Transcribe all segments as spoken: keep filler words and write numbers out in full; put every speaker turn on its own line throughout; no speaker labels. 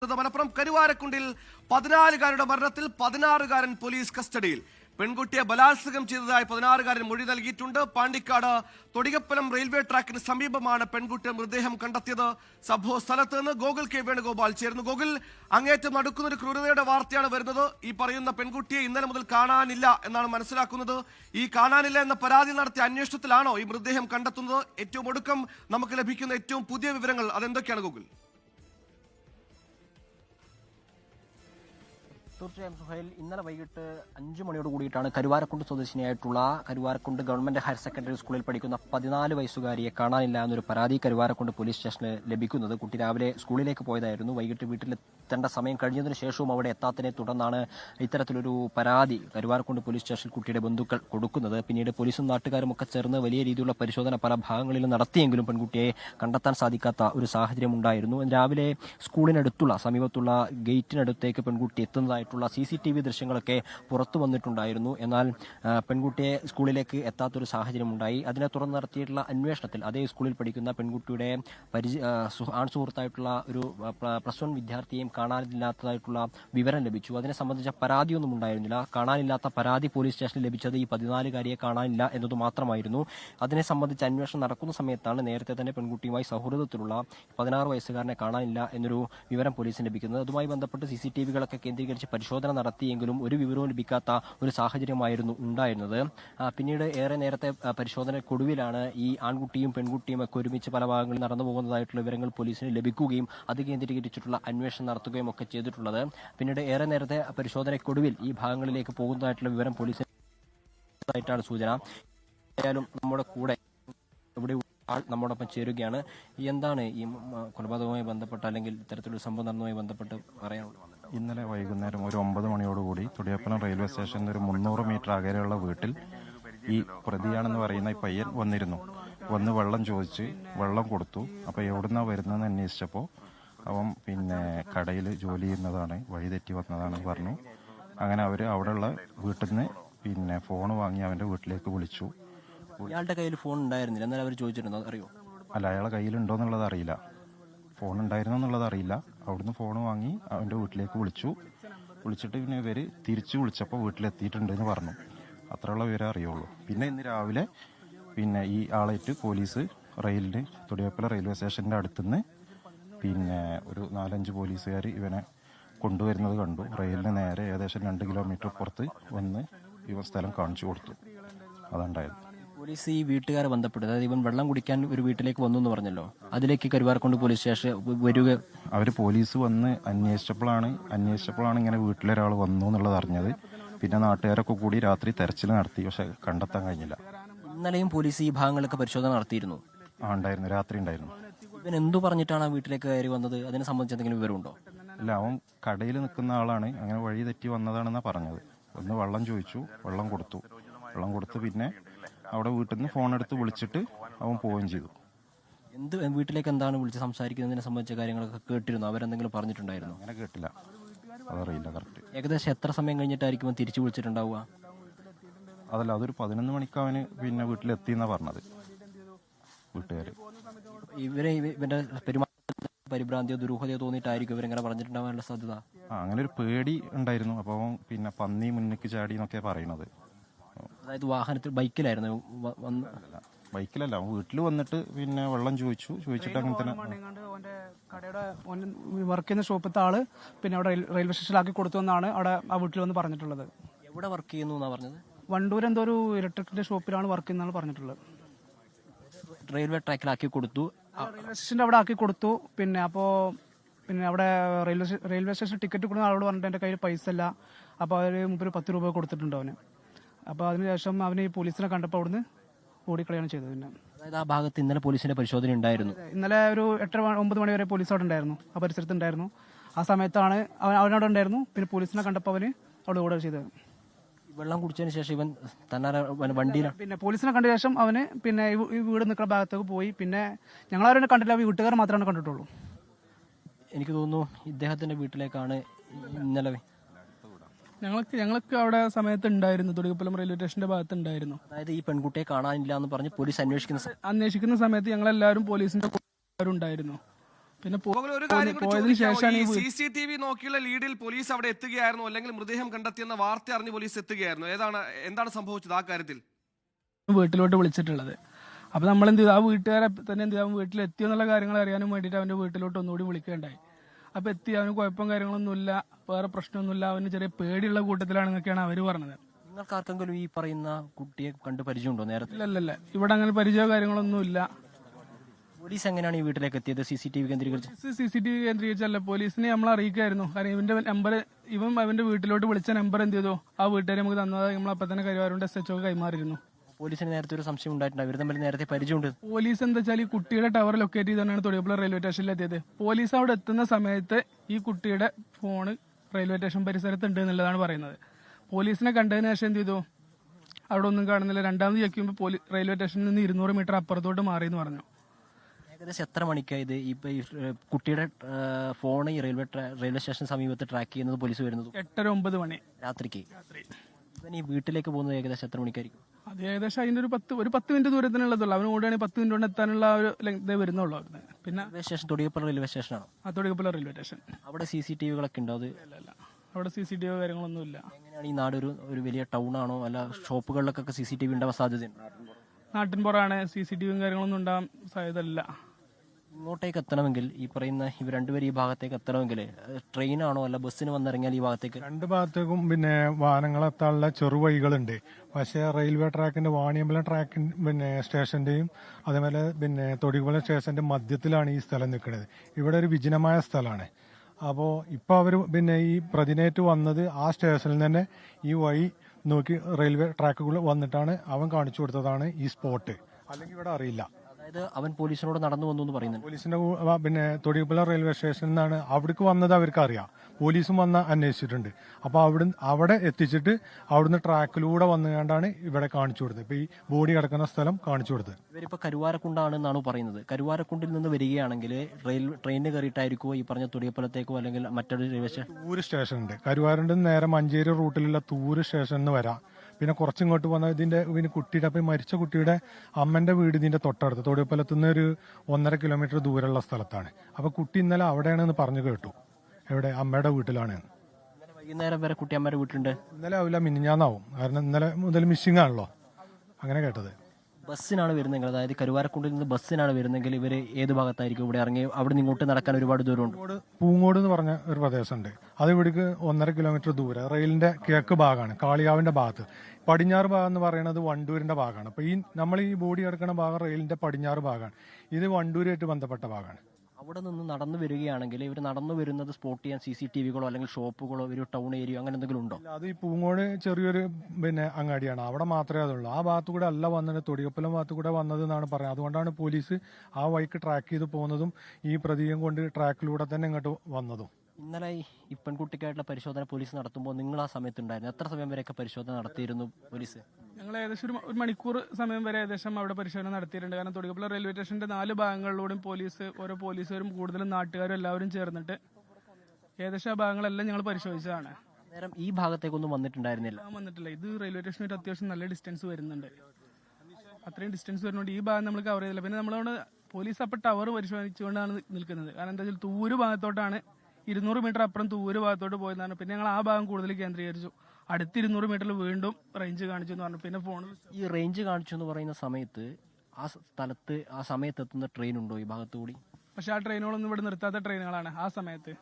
മലപ്പുറം കരുവാരക്കുണ്ടിൽ പതിനാലുകാരുടെ മരണത്തിൽ പതിനാറുകാരൻ പോലീസ് കസ്റ്റഡിയിൽ. പെൺകുട്ടിയെ ബലാത്സംഗം ചെയ്തതായി പതിനാറുകാരൻ മൊഴി നൽകിയിട്ടുണ്ട്. പാണ്ടിക്കാട് തൊടികപ്പലം റെയിൽവേ ട്രാക്കിന് സമീപമാണ് പെൺകുട്ടിയുടെ മൃതദേഹം കണ്ടെത്തിയത്. സംഭവ സ്ഥലത്ത് നിന്ന് ഗോകുൽ കെ വേണുഗോപാൽ ചേർന്നു. ഗോകുൽ, അങ്ങേറ്റം നടക്കുന്ന ഒരു ക്രൂരതയുടെ വാർത്തയാണ് വരുന്നത്. ഈ പറയുന്ന പെൺകുട്ടിയെ ഇന്നലെ മുതൽ കാണാനില്ല എന്നാണ് മനസ്സിലാക്കുന്നത്. ഈ കാണാനില്ല എന്ന പരാതി നടത്തിയ അന്വേഷണത്തിലാണോ ഈ മൃതദേഹം കണ്ടെത്തുന്നത്? ഏറ്റവും ഒടുക്കം നമുക്ക് ലഭിക്കുന്ന ഏറ്റവും പുതിയ വിവരങ്ങൾ അതെന്തൊക്കെയാണ് ഗോകുൽ?
തീർച്ചയായും സുഹൈൽ, ഇന്നലെ വൈകിട്ട് അഞ്ചു മണിയോട് കൂടിയിട്ടാണ് കരുവാരക്കുണ്ട് സ്വദേശിനിയായിട്ടുള്ള കരുവാരക്കുണ്ട് ഗവൺമെന്റ് ഹയർ സെക്കൻഡറി സ്കൂളിൽ പഠിക്കുന്ന പതിനാല് വയസ്സുകാരിയെ കാണാനില്ല എന്നൊരു പരാതി കരുവാരക്കുണ്ട് പോലീസ് സ്റ്റേഷനിൽ ലഭിക്കുന്നത്. കുട്ടി രാവിലെ സ്കൂളിലേക്ക് പോയതായിരുന്നു. വൈകിട്ട് വീട്ടിലെത്തേണ്ട സമയം കഴിഞ്ഞതിന് ശേഷവും അവിടെ എത്താത്തതിനെ തുടർന്നാണ് ഇത്തരത്തിലൊരു പരാതി കരുവാരക്കുണ്ട് പോലീസ് സ്റ്റേഷനിൽ കുട്ടിയുടെ ബന്ധുക്കൾ കൊടുക്കുന്നത്. പിന്നീട് പോലീസും നാട്ടുകാരും ഒക്കെ ചേർന്ന് വലിയ രീതിയിലുള്ള പരിശോധന പല ഭാഗങ്ങളിലും നടത്തിയെങ്കിലും പെൺകുട്ടിയെ കണ്ടെത്താൻ സാധിക്കാത്ത ഒരു സാഹചര്യം ഉണ്ടായിരുന്നു. രാവിലെ സ്കൂളിനടുത്തുള്ള സമീപത്തുള്ള ഗേറ്റിനടുത്തേക്ക് പെൺകുട്ടി എത്തുന്നതായിട്ട് സി സി ടി വി ദൃശ്യങ്ങളൊക്കെ പുറത്തു വന്നിട്ടുണ്ടായിരുന്നു. എന്നാൽ പെൺകുട്ടിയെ സ്കൂളിലേക്ക് എത്താത്തൊരു സാഹചര്യമുണ്ടായി. അതിനെ തുടർന്ന് നടത്തിയിട്ടുള്ള അന്വേഷണത്തിൽ അതേ സ്കൂളിൽ പഠിക്കുന്ന പെൺകുട്ടിയുടെ പരിചയ ആൺ സുഹൃത്തായിട്ടുള്ള ഒരു പ്ലസ് വൺ വിദ്യാർത്ഥിയെയും കാണാനില്ലാത്തതായിട്ടുള്ള വിവരം ലഭിച്ചു. അതിനെ സംബന്ധിച്ച പരാതിയൊന്നും ഉണ്ടായിരുന്നില്ല. കാണാനില്ലാത്ത പരാതി പോലീസ് സ്റ്റേഷനിൽ ലഭിച്ചത് ഈ പതിനാലുകാരിയെ കാണാനില്ല എന്നത് മാത്രമായിരുന്നു. അതിനെ സംബന്ധിച്ച് അന്വേഷണം നടക്കുന്ന സമയത്താണ് നേരത്തെ തന്നെ പെൺകുട്ടിയുമായി സൗഹൃദത്തിലുള്ള പതിനാറ് വയസ്സുകാരനെ കാണാനില്ല എന്നൊരു വിവരം പോലീസിന് ലഭിക്കുന്നത്. അതുമായി ബന്ധപ്പെട്ട് സി സി ടി വികളൊക്കെ കേന്ദ്രീകരിച്ച് പരിശോധന നടത്തിയെങ്കിലും ഒരു വിവരവും ലഭിക്കാത്ത ഒരു സാഹചര്യമായിരുന്നു ഉണ്ടായിരുന്നത്. പിന്നീട് ഏറെ നേരത്തെ പരിശോധനയ്ക്കൊടുവിലാണ് ഈ ആൺകുട്ടിയും പെൺകുട്ടിയും ഒക്കെ ഒരുമിച്ച് പല ഭാഗങ്ങളിൽ നടന്നു പോകുന്നതായിട്ടുള്ള വിവരങ്ങൾ പോലീസിന് ലഭിക്കുകയും അത് കേന്ദ്രീകരിച്ചിട്ടുള്ള അന്വേഷണം നടത്തുകയും ഒക്കെ ചെയ്തിട്ടുള്ളത്. പിന്നീട് ഏറെ നേരത്തെ പരിശോധനയ്ക്കൊടുവിൽ ഈ ഭാഗങ്ങളിലേക്ക് പോകുന്നതായിട്ടുള്ള വിവരം പോലീസിനായിട്ടാണ് സൂചന. എന്തായാലും നമ്മുടെ കൂടെ ഇവിടെ ആൾ നമ്മോടൊപ്പം ചേരുകയാണ്. എന്താണ് ഈ കൊലപാതകവുമായി ബന്ധപ്പെട്ട് അല്ലെങ്കിൽ ഇത്തരത്തിലൊരു സംഭവം നടന്നതുമായി ബന്ധപ്പെട്ട് പറയാനുള്ളത്?
ഇന്നലെ വൈകുന്നേരം ഒരു ഒമ്പത് മണിയോടുകൂടി തൊടിയപ്പലം റെയിൽവേ സ്റ്റേഷനിൽ ഒരു മുന്നൂറ് മീറ്റർ അകലെയുള്ള വീട്ടിൽ ഈ പ്രതിയാണെന്ന് പറയുന്ന ഈ പയ്യൻ വന്നിരുന്നു. വന്ന് വെള്ളം ചോദിച്ച് വെള്ളം കൊടുത്തു. അപ്പോൾ എവിടുന്നാണ് വരുന്നതെന്ന് അന്വേഷിച്ചപ്പോൾ അവൻ പിന്നെ കടയിൽ ജോലി ചെയ്യുന്നതാണ്, വഴിതെറ്റി വന്നതാണ് പറഞ്ഞു. അങ്ങനെ അവർ അവിടെയുള്ള വീട്ടിൽ നിന്ന് പിന്നെ ഫോൺ വാങ്ങി അവൻ്റെ വീട്ടിലേക്ക് വിളിച്ചു.
ഇയാളുടെ കയ്യിൽ ഫോൺ ഉണ്ടായിരുന്നില്ല, എന്നാലും അവർ ചോദിച്ചിരുന്നോ അറിയോ?
അല്ല, അയാളെ കയ്യിലുണ്ടോ എന്നുള്ളത് അറിയില്ല. ഫോൺ ഉണ്ടായിരുന്നോ എന്നുള്ളത് അറിയില്ല. അവിടുന്ന് ഫോൺ വാങ്ങി അവൻ്റെ വീട്ടിലേക്ക് വിളിച്ചു. വിളിച്ചിട്ട് പിന്നെ ഇവർ തിരിച്ചു വിളിച്ചപ്പോൾ വീട്ടിലെത്തിയിട്ടുണ്ടെന്ന് പറഞ്ഞു. അത്രയുള്ള വിവരം അറിയുള്ളൂ. പിന്നെ ഇന്ന് രാവിലെ പിന്നെ ഈ ആളായിട്ട് പോലീസ് റെയിലിന് തൊടിയപ്പല റെയിൽവേ സ്റ്റേഷൻ്റെ അടുത്തുനിന്ന് പിന്നെ ഒരു നാലഞ്ച് പോലീസുകാർ ഇവനെ കൊണ്ടുവരുന്നത് കണ്ടു. റെയിലിന് നേരെ ഏകദേശം രണ്ട് കിലോമീറ്റർ പുറത്ത് വന്ന് ഇവ സ്ഥലം കാണിച്ചു കൊടുത്തു. അതുണ്ടായത്.
പോലീസ് ഈ വീട്ടുകാരെ ബന്ധപ്പെട്ടു, അതായത് ഇവൻ വെള്ളം കുടിക്കാൻ ഒരു വീട്ടിലേക്ക് വന്നു എന്ന് പറഞ്ഞല്ലോ, അതിലേക്ക് കരുവാരക്കുണ്ട് പോലീസ് സ്റ്റേഷൻ വരിക.
അവർ പോലീസ് വന്ന് അന്വേഷിച്ചപ്പോഴാണ് അന്വേഷിച്ചപ്പോഴാണ് ഇങ്ങനെ വീട്ടിലൊരാൾ വന്നു എന്നുള്ളത് അറിഞ്ഞത്. പിന്നെ നാട്ടുകാരൊക്കെ കൂടി രാത്രി തെരച്ചിൽ നടത്തി, പക്ഷെ കണ്ടെത്താൻ കഴിഞ്ഞില്ല.
ഇന്നലെയും പോലീസ് ഈ ഭാഗങ്ങളൊക്കെ പരിശോധന നടത്തിയിരുന്നു.
ആ ഉണ്ടായിരുന്നു, രാത്രി ഉണ്ടായിരുന്നു.
ഇവൻ എന്തു പറഞ്ഞിട്ടാണ് ആ വീട്ടിലേക്ക് കയറി വന്നത്? അതിനെ സംബന്ധിച്ച് എന്തെങ്കിലും വിവരമുണ്ടോ?
ഇല്ല, അവൻ കടയിൽ നിൽക്കുന്ന ആളാണ്, അങ്ങനെ വഴി തെറ്റി വന്നതാണെന്നാണ് പറഞ്ഞത്. ഒന്ന് വെള്ളം ചോദിച്ചു, വെള്ളം കൊടുത്തു. വെള്ളം കൊടുത്ത് പിന്നെ അവിടെ വീട്ടിൽ നിന്ന് ഫോൺ എടുത്ത് വിളിച്ചിട്ട് അവൻ പോവുകയും ചെയ്തു.
എന്ത് വീട്ടിലേക്ക് എന്താണ് വിളിച്ച് സംസാരിക്കുന്നതിനെ സംബന്ധിച്ച കാര്യങ്ങളൊക്കെ കേട്ടിരുന്നു? അവരെന്തെങ്കിലും പറഞ്ഞിട്ടുണ്ടായിരുന്നു?
അങ്ങനെ കേട്ടില്ല, അതറിയില്ല കറക്റ്റ്.
ഏകദേശം എത്ര സമയം കഴിഞ്ഞിട്ടായിരിക്കും തിരിച്ചു വിളിച്ചിട്ടുണ്ടാവുക?
അതല്ല, അതൊരു പതിനൊന്ന് മണിക്ക് അവന് പിന്നെ വീട്ടിലെത്തിയെന്നാണ് പറഞ്ഞത് വീട്ടുകാർ.
ഇവരെ ഇവന്റെ പെരുമാറ്റ പരിഭ്രാന്തിയോ ദുരൂഹതയോ തോന്നിയിട്ടായിരിക്കും ഇവരെങ്ങനെ പറഞ്ഞിട്ടുണ്ടാവാനുള്ള സാധ്യത?
ആ അങ്ങനെ ഒരു പേടി ഉണ്ടായിരുന്നു. അപ്പോൾ അവൻ പിന്നെ പന്നി മുന്നിക്ക് ചാടി എന്നൊക്കെ പറയണത്.
അതായത് വാഹനത്തിൽ ബൈക്കിലായിരുന്നു വന്ന്?
ബൈക്കിലല്ല, അവൻ വീട്ടിൽ വന്നിട്ട് പിന്നെ വെള്ളം ചോദിച്ചു. ചോദിച്ചിട്ട് അങ്ങനെ തന്നെ
കടയുടെ വർക്ക് ചെയ്യുന്ന ഷോപ്പിലത്തെ ആള് പിന്നെ അവിടെ റെയിൽവേ സ്റ്റേഷനിലാക്കി കൊടുത്തു എന്നാണ് അവിടെ ആ വീട്ടിൽ വന്ന് പറഞ്ഞിട്ടുള്ളത്.
എവിടെ വർക്ക് ചെയ്യുന്നു എന്നാ പറഞ്ഞത്?
വണ്ടൂർ എന്തോ ഒരു ഇലക്ട്രിക്കിന്റെ ഷോപ്പിലാണ് വർക്ക് ചെയ്യുന്നതാണ് പറഞ്ഞിട്ടുള്ളത്.
റെയിൽവേ ട്രാക്കിലാക്കി കൊടുത്തു,
റെയിൽവേ സ്റ്റേഷന്റെ അവിടെ ആക്കി കൊടുത്തു. പിന്നെ അപ്പോൾ പിന്നെ അവിടെ റെയിൽവേ റെയിൽവേ സ്റ്റേഷൻ ടിക്കറ്റ് കൊടുക്കുന്ന ആളോട് പറഞ്ഞിട്ട് എൻ്റെ കയ്യിൽ പൈസ ഇല്ല. അപ്പോൾ അവർ മുമ്പ് പത്ത് രൂപ കൊടുത്തിട്ടുണ്ട് അവന്. അപ്പോൾ അതിനുശേഷം അവന് ഈ പോലീസിനെ കണ്ടപ്പോൾ അവിടുന്ന് ഓടിക്കളയാണ് ചെയ്തത്. പിന്നെ
അതായത് ആ ഭാഗത്ത് ഇന്നലെ പോലീസിന്റെ പരിശോധന ഉണ്ടായിരുന്നു.
ഇന്നലെ ഒരു എട്ടര ഒമ്പത് മണി വരെ പോലീസ് അവിടെ ഉണ്ടായിരുന്നു, ആ പരിസരത്ത് ഉണ്ടായിരുന്നു. ആ സമയത്താണ് അവൻ അവനവിടെ ഉണ്ടായിരുന്നു. പിന്നെ പോലീസിനെ കണ്ടപ്പോൾ അവന് അവിടെ ഓടുക ചെയ്തത്.
വെള്ളം കുടിച്ചതിന് ശേഷം ഇവൻ തന്നെ വണ്ടിയിലാണ്.
പിന്നെ പോലീസിനെ കണ്ട ശേഷം അവന് പിന്നെ ഈ വീട് നിൽക്കുന്ന ഭാഗത്തേക്ക് പോയി. പിന്നെ ഞങ്ങളവരെ കണ്ടില്ല, ഈ വീട്ടുകാർ മാത്രമാണ് കണ്ടിട്ടുള്ളൂ.
എനിക്ക് തോന്നുന്നു ഇദ്ദേഹത്തിന്റെ വീട്ടിലേക്കാണ് ഇന്നലെ
ഞങ്ങൾക്ക് ഞങ്ങൾക്ക് അവിടെ സമയത്ത് ഉണ്ടായിരുന്നു, തൊടികപ്പലം റെയിൽവേ സ്റ്റേഷന്റെ ഭാഗത്ത് ഉണ്ടായിരുന്നു.
അതായത് ഈ പെൺകുട്ടിയെ കാണാനില്ല എന്ന് പറഞ്ഞ് പോലീസ് അന്വേഷിക്കുന്ന
അന്വേഷിക്കുന്ന സമയത്ത് ഞങ്ങളെല്ലാവരും പോലീസിന്റെ ഉണ്ടായിരുന്നു. പിന്നെ പോ-
ഗോകുൽ, ഒരു കാര്യം കൂടി
പോയതിനു ശേഷമാണ് ഈ
ചോദിക്കാമോ?
വീ-
സി സി ടി വി നോക്കിയുള്ള ലീഡിൽ പോലീസ് അവിടെ എത്തുകയായിരുന്നു, അല്ലെങ്കിൽ മൃതദേഹം കണ്ടെത്തിയെന്ന വാർത്ത അറിഞ്ഞ് പോലീസ് എത്തുകയായിരുന്നു? ഏതാണ് എന്താണ് സംഭവിച്ചത് ആ കാര്യത്തിൽ?
വീട്ടിലോട്ട് വിളിച്ചിട്ടുള്ളത്. അപ്പൊ നമ്മൾ എന്ത് ചെയ്തു, ആ വീട്ടുകാരെ തന്നെ എന്ത് ചെയ്തു, വീട്ടിൽ എത്തിയോ എന്നുള്ള കാര്യങ്ങൾ അറിയാനും വേണ്ടിയിട്ട് അവന്റെ വീട്ടിലോട്ട് ഒന്നുകൂടി വിളിക്കുകയുണ്ടായി. അപ്പൊ എത്തി, അവന് കുഴപ്പം കാര്യങ്ങളൊന്നുമില്ല, വേറെ പ്രശ്നമൊന്നുമില്ല, അവന് ചെറിയ പേടിയുള്ള കൂട്ടത്തിലാണെന്നൊക്കെയാണ് അവര് പറഞ്ഞത്.
നിങ്ങൾക്ക് ആർക്കെങ്കിലും ഈ പറയുന്ന കുട്ടിയെ കണ്ട് പരിചയമുണ്ടോ നേരത്തെ?
ഇല്ലല്ല, ഇവിടെ അങ്ങനെ പരിചയമോ കാര്യങ്ങളൊന്നും ഇല്ല.
പോലീസ് എങ്ങനെയാണ് ഈ വീട്ടിലേക്ക് എത്തിയത്? സി സി ടി വി കേന്ദ്രീകരിച്ച്
സി സി ടി വി കേന്ദ്രീകരിച്ചല്ല, പോലീസിനെ നമ്മൾ അറിയിക്കായിരുന്നു. കാരണം ഇവന്റെ നമ്പർ, ഇവൻ അവന്റെ വീട്ടിലോട്ട് വിളിച്ച നമ്പർ എന്ത് ചെയ്തു, ആ വീട്ടുകാർ നമുക്ക് തന്നത് നമ്മൾ അപ്പം തന്നെ കരുവാരുണ്ട് എസ് എച്ച് ഒ കൈമാറിയിരുന്നു.
പോലീസിന് നേരത്തെ ഒരു സംശയം ഉണ്ടായിട്ടുണ്ട്, ഇവർ തമ്മിൽ നേരത്തെ പരിചയമുണ്ട്.
പോലീസ് എന്താ വെച്ചാൽ ഈ കുട്ടിയുടെ ടവർ ലൊക്കേറ്റ് ചെയ്താണ് തൊടിയപ്പുഴ റെയിൽവേ സ്റ്റേഷനിൽ എത്തിയത്. പോലീസ് അവിടെ എത്തുന്ന സമയത്ത് ഈ കുട്ടിയുടെ ഫോണ് റെയിൽവേ സ്റ്റേഷൻ പരിസരത്ത് ഉണ്ട് എന്നുള്ളതാണ് പറയുന്നത്. പോലീസിനെ കണ്ടതിന് ശേഷം എന്ത് ചെയ്തു, അവിടെ ഒന്നും കാണുന്നില്ല. രണ്ടാമത് ചോദിക്കുമ്പോൾ പോലീസ് റെയിൽവേ സ്റ്റേഷനിൽ നിന്ന് ഇരുന്നൂറ് മീറ്റർ അപ്പുറത്തോട്ട് മാറി എന്ന് പറഞ്ഞു.
ഏകദേശം എത്ര മണിക്കാണ് ഇത് ഇപ്പൊ ഈ ഏഹ്, കുട്ടിയുടെ ഫോൺ ഈ റെയിൽവേ ട്രാ- റെയിൽവേ സ്റ്റേഷൻ സമീപത്ത് ട്രാക്ക് ചെയ്യുന്നത് പോലീസ് വരുന്നത്?
എട്ടര ഒമ്പത് മണി
രാത്രിക്ക്. ഇവൻ ഈ വീട്ടിലേക്ക് പോകുന്നത് ഏകദേശം എത്ര മണിക്കായിരിക്കും?
അത് ഏകദേശം അതിന്റെ ഒരു പത്ത് ഒരു പത്ത് മിനിറ്റ് ദൂരത്തിനുള്ളതുള്ളൂ. അവന് ഓടുകയാണെങ്കിൽ പത്ത് മിനിറ്റ് കൊണ്ട് എത്താനുള്ള ആ ഒരു ഇതേ വരുന്നുള്ളൂ അവിടുന്ന്. പിന്നെ
റെയിൽവേ സ്റ്റേഷൻ തൊടിയപ്പുറ റെയിൽവേ സ്റ്റേഷനാണോ?
ആ തൊടിയപ്പുഴ റെയിൽവേ സ്റ്റേഷൻ.
അവിടെ സി സി ടി വികളൊക്കെ ഉണ്ടോ? അത്
അല്ല, അവിടെ സി സി ടി വി കാര്യങ്ങളൊന്നും ഇല്ല.
എങ്ങനെയാണ് ഈ നാട് ഒരു ഒരു വലിയ ടൗൺ ആണോ, അല്ല ഷോപ്പുകളിലൊക്കെ സി സി ടി വി ഉണ്ടാവാൻ സാധ്യതയുണ്ട്?
നാട്ടിൻപുറമാണ്, സി സി ടി വിയും കാര്യങ്ങളൊന്നും ഉണ്ടാകാൻ സാധ്യതയില്ല.
ഇങ്ങോട്ടേക്ക് എത്തണമെങ്കിൽ ഈ പറയുന്ന ഇവർ രണ്ടുപേരും ഈ ഭാഗത്തേക്ക് എത്തണമെങ്കിൽ ട്രെയിനാണോ അല്ല ബസ്സിന് വന്നിറങ്ങിയാൽ ഈ ഭാഗത്തേക്ക്?
രണ്ട് ഭാഗത്തേക്കും പിന്നെ വാഹനങ്ങളെത്താനുള്ള ചെറുവഴികളുണ്ട്. പക്ഷേ റെയിൽവേ ട്രാക്കിന്റെ വാണിയമ്പലം ട്രാക്കിൻ പിന്നെ സ്റ്റേഷന്റെയും അതേപോലെ പിന്നെ തൊടികുളം സ്റ്റേഷന്റെ മധ്യത്തിലാണ് ഈ സ്ഥലം നിൽക്കുന്നത്. ഇവിടെ ഒരു വിജനമായ സ്ഥലമാണ്. അപ്പോൾ ഇപ്പോൾ അവർ പിന്നെ ഈ പ്രതിനേറ്റ് വന്നത് ആ സ്റ്റേഷനിൽ തന്നെ ഈ വഴി നോക്കി റെയിൽവേ ട്രാക്കുകൾ വന്നിട്ടാണ് അവൻ കാണിച്ചു കൊടുത്തതാണ് ഈ സ്പോട്ട്. അല്ലെങ്കിൽ ഇവിടെ അറിയില്ല.
അതായത് അവൻ പോലീസിനോട് നടന്നു വന്നു എന്ന് പറയുന്നുണ്ട്.
പോലീസിന്റെ കൂ- വ- പിന്നെ തൊടിയപ്പുഴ റെയിൽവേ സ്റ്റേഷനിൽ നിന്നാണ് അവിടേക്ക് വന്നത്. അവർക്ക് അറിയാം, പോലീസും വന്ന് അന്വേഷിച്ചിട്ടുണ്ട്. അപ്പോൾ അവിടെ അവിടെ എത്തിച്ചിട്ട് അവിടുന്ന് ട്രാക്കിലൂടെ വന്നുകൊണ്ടാണ് ഇവിടെ കാണിച്ചു കൊടുത്തത്. ഇപ്പൊ ഈ ബോഡി കിടക്കുന്ന സ്ഥലം കാണിച്ചു കൊടുത്തത്.
ഇവരിപ്പോ കരുവാരക്കുണ്ടാണ് എന്നാണ് പറയുന്നത്. കരുവാരക്കുണ്ടിൽ നിന്ന് വരികയാണെങ്കിൽ റെയിൽ ട്രെയിനിന് കയറിയിട്ടായിരിക്കുമോ ഈ പറഞ്ഞ തൊടിയപ്പലത്തേക്കോ അല്ലെങ്കിൽ മറ്റൊരു റെയിൽവേ സ്റ്റേഷൻ?
തൂര് സ്റ്റേഷൻ ഉണ്ട്. കരുവാരണ്ട് നേരെ മഞ്ചേരി റൂട്ടിലുള്ള തൂര് സ്റ്റേഷനിൽ നിന്ന് വരാം. പിന്നെ കുറച്ചിങ്ങോട്ട് വന്ന ഇതിന്റെ പിന്നെ കുട്ടിയുടെ അപ്പം മരിച്ച കുട്ടിയുടെ അമ്മന്റെ വീട് ഇതിന്റെ തൊട്ടടുത്ത് തൊടിയപ്പലത്തു നിന്ന് ഒരു ഒന്നര കിലോമീറ്റർ ദൂരമുള്ള സ്ഥലത്താണ്. അപ്പൊ കുട്ടി ഇന്നലെ അവിടെയാണെന്ന് പറഞ്ഞു കേട്ടു. എവിടെ? അമ്മയുടെ വീട്ടിലാണ്.
ഇന്നലെ വൈകുന്നേരം വരെ കുട്ടി അമ്മയുടെ വീട്ടിലുണ്ട്.
ഇന്നലെ ആവില്ല, മിനിഞ്ഞാന്നാവും. കാരണം ഇന്നലെ മുതൽ മിസ്സിംഗ് ആണല്ലോ. അങ്ങനെ കേട്ടത്.
ബസ്സിനാണ് വരുന്നെങ്കിൽ, അതായത് കരുവാരക്കുണ്ടിൽ നിന്ന് ബസ്സിനാണ് വരുന്നെങ്കിൽ ഇവർ ഏത് ഭാഗത്തായിരിക്കും ഇവിടെ ഇറങ്ങി അവിടെ നിന്ന് ഇങ്ങോട്ട് നടക്കാൻ ഒരുപാട് ദൂരമുണ്ട്?
പൂങ്ങോട് പൂങ്ങോട് എന്ന് പറഞ്ഞ ഒരു പ്രദേശമുണ്ട്. അത് ഇവിടേക്ക് ഒന്നര കിലോമീറ്റർ ദൂരെ റെയിലിന്റെ കിഴക്ക് ഭാഗമാണ്, കാളിയാവിന്റെ ഭാഗത്ത്. പടിഞ്ഞാറ് ഭാഗം എന്ന് പറയുന്നത് വണ്ടൂരിന്റെ ഭാഗമാണ്. അപ്പൊ ഈ നമ്മൾ ഈ ബോഡി കിടക്കുന്ന ഭാഗം റെയിലിന്റെ പടിഞ്ഞാറ് ഭാഗമാണ്. ഇത് വണ്ടൂരുമായിട്ട് ബന്ധപ്പെട്ട ഭാഗമാണ്.
അവിടെ നിന്ന് നടന്നു വരികയാണെങ്കിൽ ഇവർ നടന്നു വരുന്നത് സ്പോട്ട് ചെയ്യാൻ സി സി ടി വികളോ അല്ലെങ്കിൽ ഷോപ്പുകളോ ഒരു ടൗൺ ഏരിയയോ അങ്ങനെ എന്തെങ്കിലും ഉണ്ടോ?
അത് ഈ പൂങ്ങോട് ചെറിയൊരു പിന്നെ അങ്ങാടിയാണ്. അവിടെ മാത്രമേ അതുള്ളൂ. ആ ഭാഗത്തു കൂടെ അല്ല വന്നത്, തൊടിയപ്പലം ഭാഗത്തു കൂടെ വന്നത് എന്നാണ് പറയുന്നത്. അതുകൊണ്ടാണ് പോലീസ് ആ വഴിക്ക് ട്രാക്ക് ചെയ്ത് പോകുന്നതും ഈ പ്രതിയും കൊണ്ട് ട്രാക്കിലൂടെ തന്നെ ഇങ്ങോട്ട് വന്നതും.
ഇന്നലെ ഈ പെൺകുട്ടിക്കായിട്ടുള്ള പരിശോധന പോലീസ് നടത്തുമ്പോൾ നിങ്ങൾ ആ സമയത്ത് ഉണ്ടായിരുന്നു? എത്ര സമയം വരെയൊക്കെ പരിശോധന നടത്തിയിരുന്നു പോലീസ്?
ഞങ്ങൾ ഏകദേശം ഒരു ഒരു മണിക്കൂർ സമയം വരെ ഏകദേശം അവിടെ പരിശോധന നടത്തിയിട്ടുണ്ട്. കാരണം തൊടിയപ്പുഴ റെയിൽവേ സ്റ്റേഷന്റെ നാല് ഭാഗങ്ങളിലൂടെയും പോലീസ്, ഓരോ പോലീസുകാരും കൂടുതലും നാട്ടുകാരും എല്ലാവരും ചേർന്നിട്ട് ഏകദേശം ആ ഭാഗങ്ങളെല്ലാം ഞങ്ങൾ പരിശോധിച്ചതാണ്.
നേരം ഈ ഭാഗത്തേക്കൊന്നും വന്നിട്ടുണ്ടായിരുന്നില്ല.
ഞാൻ വന്നിട്ടില്ല. ഇത് റെയിൽവേ സ്റ്റേഷനായിട്ട് അത്യാവശ്യം നല്ല ഡിസ്റ്റൻസ് വരുന്നുണ്ട്. അത്രയും ഡിസ്റ്റൻസ് വരുന്നുണ്ട്. ഈ ഭാഗം നമ്മൾ കവർ ചെയ്തില്ല. പിന്നെ നമ്മളവിടെ പോലീസ് അപ്പോൾ ടവർ പരിശോധിച്ചുകൊണ്ടാണ് നിൽക്കുന്നത്. കാരണം എന്താ വെച്ചാൽ തൂര് ഭാഗത്തോട്ടാണ്, ഇരുന്നൂറ് മീറ്റർ അപ്പുറം തൂര് ഭാഗത്തോട്ട് പോയതാണ്. പിന്നെ ഞങ്ങൾ ആ ഭാഗം കൂടുതൽ കേന്ദ്രീകരിച്ചു. അടുത്ത് ഇരുന്നൂറ് മീറ്ററിൽ വീണ്ടും റേഞ്ച് കാണിച്ചു എന്ന് പറഞ്ഞു. പിന്നെ ഫോൺ
ഈ റേഞ്ച് കാണിച്ചു എന്ന് പറയുന്ന സമയത്ത് ആ സ്ഥലത്ത് ആ സമയത്ത് എത്തുന്ന ട്രെയിൻ ഉണ്ടോ ഈ ഭാഗത്തുകൂടി?
പക്ഷെ ആ ട്രെയിനുകളൊന്നും ഇവിടെ നിർത്താത്ത ട്രെയിനുകളാണ് ആ സമയത്ത്.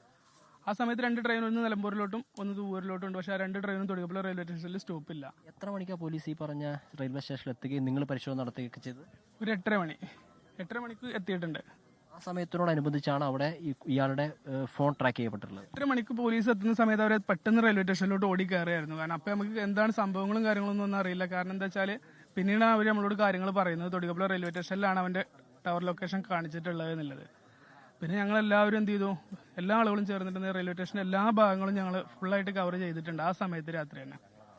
ആ സമയത്ത് രണ്ട് ട്രെയിൻ, ഒന്ന് നിലമ്പൂരിലോട്ടും ഒന്ന് ദൂരിലോട്ടും ഉണ്ട്. പക്ഷെ ആ രണ്ട് ട്രെയിനും തൊടിയപ്പുഴ റെയിൽവേ സ്റ്റേഷനിൽ സ്റ്റോപ്പില്ല.
എത്ര മണിക്കാണ് പോലീസ് ഈ പറഞ്ഞ റെയിൽവേ സ്റ്റേഷനിൽ എത്തുകയും നിങ്ങൾ പരിശോധന നടത്തുകയൊക്കെ ചെയ്തത്?
ഒരു എട്ടര മണി എട്ടര മണിക്ക് എത്തിയിട്ടുണ്ട്.
ആ സമയത്തിനോടനുബന്ധിച്ചാണ് അവിടെ ഈ- ഇയാളുടെ ഏഹ്, ഫോൺ ട്രാക്ക് ചെയ്യപ്പെട്ടിട്ടുള്ളത്.
എട്ടര മണിക്ക് പോലീസ് എത്തുന്ന സമയത്ത് അവരെ പെട്ടെന്ന് റെയിൽവേ സ്റ്റേഷനിലോട്ട് ഓടി കയറിയായിരുന്നു. കാരണം അപ്പം നമുക്ക് എന്താണ് സംഭവങ്ങളും കാര്യങ്ങളൊന്നും ഒന്നും അറിയില്ല. കാരണം എന്താ വെച്ചാൽ പിന്നീട് അവർ നമ്മളോട് കാര്യങ്ങൾ പറയുന്നത് തൊടിയപ്പുഴ റെയിൽവേ സ്റ്റേഷനിലാണ് അവന്റെ ടവർ ലൊക്കേഷൻ കാണിച്ചിട്ടുള്ളത് എന്നുള്ളത്. പിന്നെ ഞങ്ങൾ എല്ലാവരും എന്ത് ചെയ്തു, എല്ലാ ആളുകളും ചേർന്നിട്ട് റെയിൽവേ സ്റ്റേഷൻ എല്ലാ ഭാഗങ്ങളും ഞങ്ങൾ ഫുള്ളായിട്ട് കവർ ചെയ്തിട്ടുണ്ട് ആ സമയത്ത് രാത്രി തന്നെ.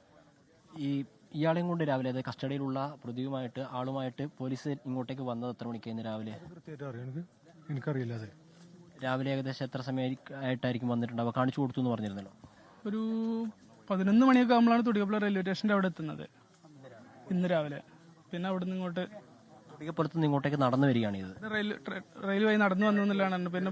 ഈ ഇയാളെയും കൊണ്ട് രാവിലെ, അതായത് കസ്റ്റഡിയിലുള്ള പ്രതിയുമായിട്ട് ആളുമായിട്ട് പോലീസ് ഇങ്ങോട്ടേക്ക് വന്നത് എത്ര മണിക്കായിരുന്നു രാവിലെ?
കൃത്യമായിട്ട് അറിയാം, എനിക്ക് എനിക്കറിയില്ല. അത്
രാവിലെ ഏകദേശം എത്ര സമയമായിട്ടായിരിക്കും വന്നിട്ടുണ്ടാവുക? കാണിച്ചു കൊടുത്തു എന്ന് പറഞ്ഞിരുന്നല്ലോ.
ഒരു പതിനൊന്ന് മണിയൊക്കെ ആകുമ്പോഴാണ് തൊടിയപ്പുഴ റെയിൽവേ സ്റ്റേഷൻ്റെ അവിടെ എത്തുന്നത് ഇന്ന് രാവിലെ. പിന്നെ അവിടെ നിന്ന് ഇങ്ങോട്ട്
തൊടികപ്പുറത്ത് നിന്ന് ഇങ്ങോട്ടേക്ക് നടന്നു വരികയാണ് ഇത്.
റെയിൽ റെയിൽ വഴി നടന്നു വന്നു എന്നുള്ളതാണ്. പിന്നെ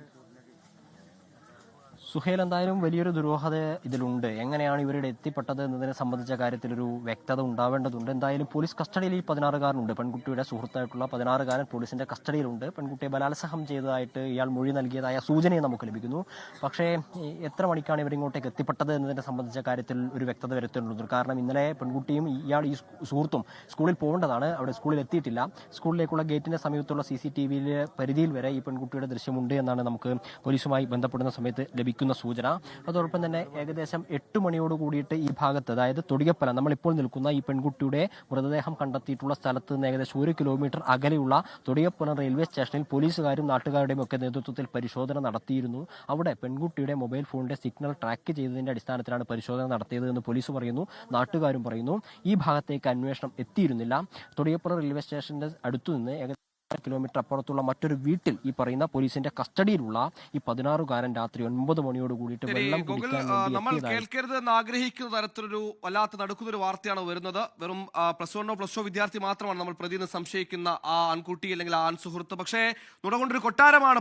സുഹേൽ, എന്തായാലും വലിയൊരു ദുരൂഹത ഇതിലുണ്ട്. എങ്ങനെയാണ് ഇവരുടെ എത്തിപ്പെട്ടത് എന്നതിനെ സംബന്ധിച്ച കാര്യത്തിലൊരു വ്യക്തത ഉണ്ടാവേണ്ടതുണ്ട്. എന്തായാലും പോലീസ് കസ്റ്റഡിയിൽ ഈ പതിനാറുകാരനുണ്ട്. പെൺകുട്ടിയുടെ സുഹൃത്തായിട്ടുള്ള പതിനാറുകാരൻ പോലീസിന്റെ കസ്റ്റഡിയിലുണ്ട്. പെൺകുട്ടിയെ ബലാത്സംഗം ചെയ്തതായിട്ട് ഇയാൾ മൊഴി നൽകിയതായ സൂചനയും നമുക്ക് ലഭിക്കുന്നു. പക്ഷേ എത്ര മണിക്കാണ് ഇവരിങ്ങോട്ടേക്ക് എത്തിപ്പെട്ടത് എന്നതിനെ സംബന്ധിച്ച കാര്യത്തിൽ ഒരു വ്യക്തത വരുത്തേണ്ടതുണ്ട്. കാരണം ഇന്നലെ പെൺകുട്ടിയും ഇയാൾ ഈ സുഹൃത്തും സ്കൂളിൽ പോകേണ്ടതാണ്. അവിടെ സ്കൂളിൽ എത്തിയിട്ടില്ല. സ്കൂളിലേക്കുള്ള ഗേറ്റിന്റെ സമീപത്തുള്ള സി സി ടി വിയിലെ പരിധിയിൽ വരെ ഈ പെൺകുട്ടിയുടെ ദൃശ്യമുണ്ട് എന്നാണ് നമുക്ക് പോലീസുമായി ബന്ധപ്പെടുന്ന സമയത്ത് ലഭിക്കുന്നത് സൂചന. അതോടൊപ്പം തന്നെ ഏകദേശം എട്ട് മണിയോട് കൂടിയിട്ട് ഈ ഭാഗത്ത്, അതായത് തൊടികപ്പലം, നമ്മളിപ്പോൾ നിൽക്കുന്ന ഈ പെൺകുട്ടിയുടെ മൃതദേഹം കണ്ടെത്തിയിട്ടുള്ള സ്ഥലത്ത് നിന്ന് ഏകദേശം ഒരു കിലോമീറ്റർ അകലെയുള്ള തൊടികപ്പലം റെയിൽവേ സ്റ്റേഷനിൽ പോലീസുകാരും നാട്ടുകാരുടെയും ഒക്കെ നേതൃത്വത്തിൽ പരിശോധന നടത്തിയിരുന്നു. അവിടെ പെൺകുട്ടിയുടെ മൊബൈൽ ഫോണിന്റെ സിഗ്നൽ ട്രാക്ക് ചെയ്തതിന്റെ അടിസ്ഥാനത്തിലാണ് പരിശോധന നടത്തിയത് എന്ന് പോലീസ് പറയുന്നു, നാട്ടുകാരും പറയുന്നു. ഈ ഭാഗത്തേക്ക് അന്വേഷണം എത്തിയിരുന്നില്ല. തൊടികപ്പലം റെയിൽവേ സ്റ്റേഷന്റെ അടുത്തുനിന്ന് ഏകദേശം കിലോമീറ്റർ അപ്പുറത്തുള്ള മറ്റൊരു വീട്ടിൽ ഈ പറയുന്ന പോലീസിന്റെ കസ്റ്റഡിയിലുള്ള ഈ പതിനാറുകാരൻ രാത്രി ഒൻപത് മണിയോട് കൂടിയിട്ട് വെള്ളം കുടിക്കാൻ വേണ്ടി
നമ്മൾ
എത്തിയതായി.
കേൾക്കരുത് എന്ന് ആഗ്രഹിക്കുന്ന തരത്തിലൊരു വല്ലാത്ത നടക്കുന്നൊരു വാർത്തയാണ് വരുന്നത്. വെറും പ്ലസ് വണ്ണോ പ്ലസ് ടു വിദ്യാർത്ഥി മാത്രമാണ് നമ്മൾ പ്രതിന്ന് സംശയിക്കുന്ന ആ ആൺകുട്ടി അല്ലെങ്കിൽ ആ ആൺ സുഹൃത്ത്. പക്ഷേ നുണകൊണ്ടൊരു കൊട്ടാരമാണ്